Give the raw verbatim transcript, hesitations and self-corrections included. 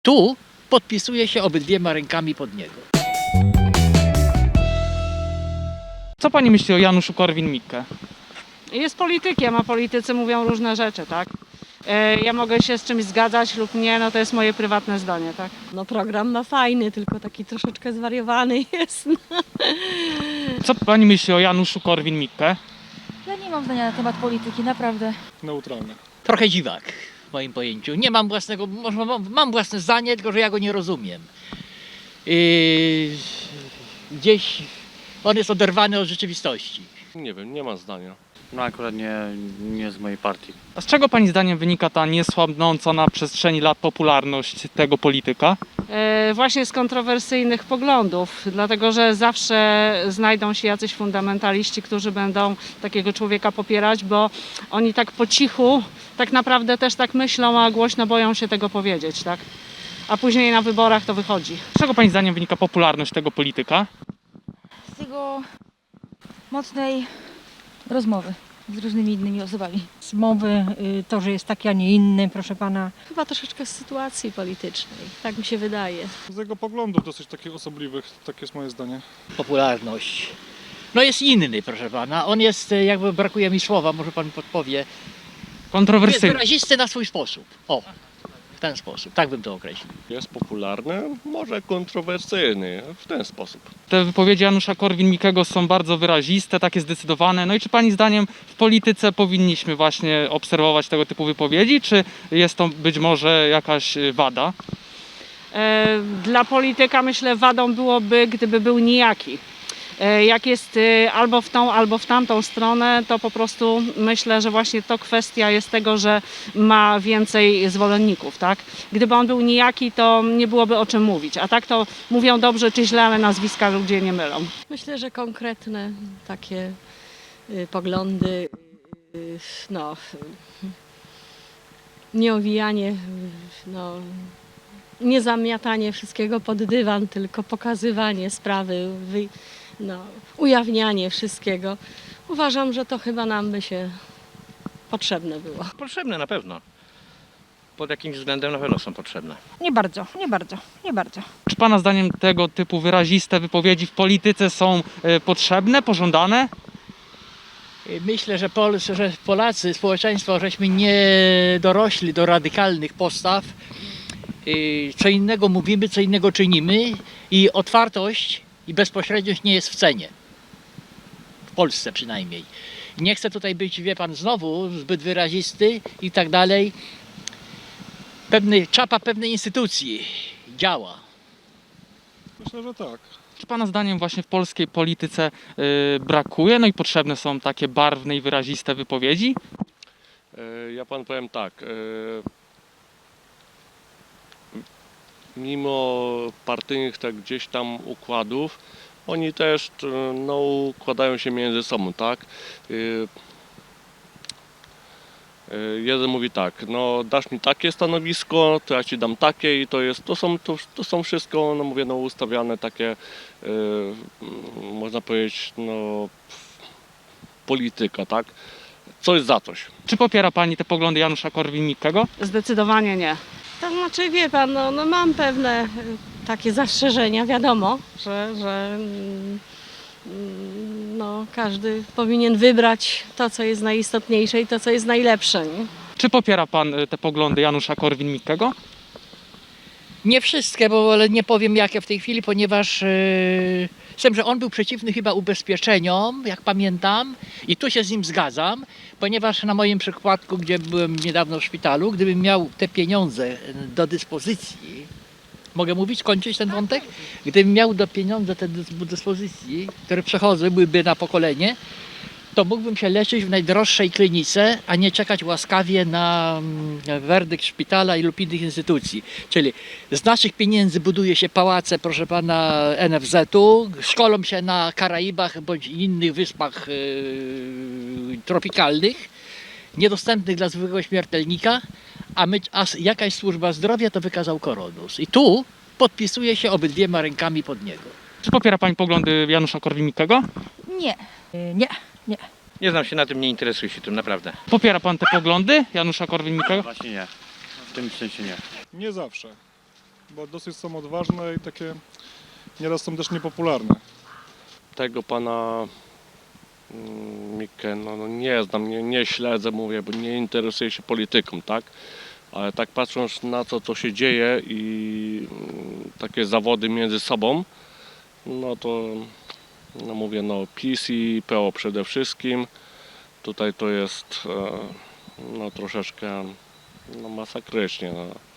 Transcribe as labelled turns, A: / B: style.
A: Tu podpisuję się obydwiema rękami pod niego.
B: Co pani myśli o Januszu Korwin-Mikke?
C: Jest politykiem, a politycy mówią różne rzeczy, tak? E, Ja mogę się z czymś zgadzać lub nie, no to jest moje prywatne zdanie, tak?
D: No program ma fajny, tylko taki troszeczkę zwariowany jest.
B: Co pani myśli o Januszu Korwin-Mikke?
E: Ja nie mam zdania na temat polityki, naprawdę.
F: Neutralny.
A: Trochę dziwak w moim pojęciu. Nie mam własnego, może mam, mam własne zdanie, tylko że ja go nie rozumiem. Yy, gdzieś on jest oderwany od rzeczywistości.
F: Nie wiem, nie ma zdania.
G: No akurat nie, nie z mojej partii.
B: A z czego pani zdaniem wynika ta niesłabnąca na przestrzeni lat popularność tego polityka?
C: E, Właśnie z kontrowersyjnych poglądów, dlatego że zawsze znajdą się jacyś fundamentaliści, którzy będą takiego człowieka popierać, bo oni tak po cichu tak naprawdę też tak myślą, a głośno boją się tego powiedzieć, tak? A później na wyborach to wychodzi.
B: Z czego pani zdaniem wynika popularność tego polityka?
E: Z jego mocnej rozmowy z różnymi innymi osobami.
D: Z mowy y, to, że jest taki, a nie inny, proszę pana.
H: Chyba troszeczkę z sytuacji politycznej, tak mi się wydaje.
F: Z jego poglądów dosyć takich osobliwych, takie jest moje zdanie.
A: Popularność. No jest inny, proszę pana. On jest, e, jakby brakuje mi słowa, może pan mi podpowie. Jest
B: Kontrowersyjny.
A: wyrazisty na swój sposób. O, w ten sposób. Tak bym to określił.
F: Jest popularny, może kontrowersyjny, w ten sposób.
B: Te wypowiedzi Janusza Korwin-Mikkego są bardzo wyraziste, takie zdecydowane. No i czy pani zdaniem w polityce powinniśmy właśnie obserwować tego typu wypowiedzi, czy jest to być może jakaś y, wada?
C: E, Dla polityka myślę wadą byłoby, gdyby był nijaki. E, Jak jest e, albo w tą, albo w tamtą stronę, to po prostu myślę, że właśnie to kwestia jest tego, że ma więcej zwolenników, tak? Gdyby on był nijaki, to nie byłoby o czym mówić, a tak to mówią dobrze czy źle, ale nazwiska ludzie nie mylą.
H: Myślę, że konkretne takie y, poglądy, y, no, y, nie owijanie, y, no, nie zamiatanie wszystkiego pod dywan, tylko pokazywanie sprawy, wy, no, ujawnianie wszystkiego. Uważam, że to chyba nam by się potrzebne było.
G: Potrzebne na pewno. Pod jakimś względem na pewno są potrzebne.
E: Nie bardzo, nie bardzo, nie bardzo.
B: Czy pana zdaniem tego typu wyraziste wypowiedzi w polityce są y, potrzebne, pożądane?
A: Myślę, że, Pol że Polacy, społeczeństwo, żeśmy nie dorośli do radykalnych postaw. Yy, Co innego mówimy, co innego czynimy i otwartość i bezpośredniość nie jest w cenie. W Polsce przynajmniej. Nie chcę tutaj być, wie pan, znowu zbyt wyrazisty i tak dalej. Pewny, czapa pewnej instytucji działa.
F: Myślę, że tak.
B: Czy pana zdaniem właśnie w polskiej polityce y, brakuje, no i potrzebne są takie barwne i wyraziste wypowiedzi?
F: E, Ja pan powiem tak. e, Mimo partyjnych tak gdzieś tam układów, oni też t- no, układają się między sobą, tak? E, e, Jeden mówi tak, no dasz mi takie stanowisko, to ja ci dam takie i to jest, to są, to, to są wszystko, no mówię, no ustawiane takie, e, mm, można powiedzieć, no polityka, tak? Coś za coś.
B: Czy popiera pani te poglądy Janusza Korwin-Mikkego?
C: Zdecydowanie nie.
H: To znaczy, wie pan, no, no mam pewne y, takie zastrzeżenia, wiadomo, że, że mm, mm, no, każdy powinien wybrać to, co jest najistotniejsze i to, co jest najlepsze. Nie?
B: Czy popiera pan y, te poglądy Janusza Korwin-Mikkego?
A: Nie wszystkie, bo ale nie powiem jakie w tej chwili, ponieważ yy, z tym, że on był przeciwny chyba ubezpieczeniom, jak pamiętam, i tu się z nim zgadzam, ponieważ na moim przypadku, gdzie byłem niedawno w szpitalu, gdybym miał te pieniądze do dyspozycji, mogę mówić, kończyć ten wątek? Gdybym miał do pieniądze te do dyspozycji, które przechodzą, byłyby na pokolenie, to mógłbym się leczyć w najdroższej klinice, a nie czekać łaskawie na mm, werdykt szpitala i lub innych instytucji. Czyli z naszych pieniędzy buduje się pałace, proszę pana, N F Z-u, szkolą się na Karaibach bądź innych wyspach yy, tropikalnych, niedostępnych dla zwykłego śmiertelnika, a, my, a jakaś służba zdrowia to wykazał koronus. I tu podpisuję się obydwiema rękami pod niego.
B: Czy popiera pani poglądy Janusza Korwin-Mikkego?
E: Nie.
D: Y, nie, nie.
G: Nie znam się na tym, nie interesuję się tym, naprawdę.
B: Popiera pan te poglądy Janusza Korwin-Mikkego?
G: Właśnie nie. W tym sensie nie.
F: Nie zawsze.
I: bo dosyć są odważne i takie nieraz są też niepopularne.
F: Tego pana mm, Mikę, no, no nie znam, nie, nie śledzę, mówię, bo nie interesuję się polityką, tak? Ale tak patrząc na to, co się dzieje i mm, takie zawody między sobą, no to no mówię, no PiS i P O przede wszystkim. Tutaj to jest e, no troszeczkę no, masakrycznie. No.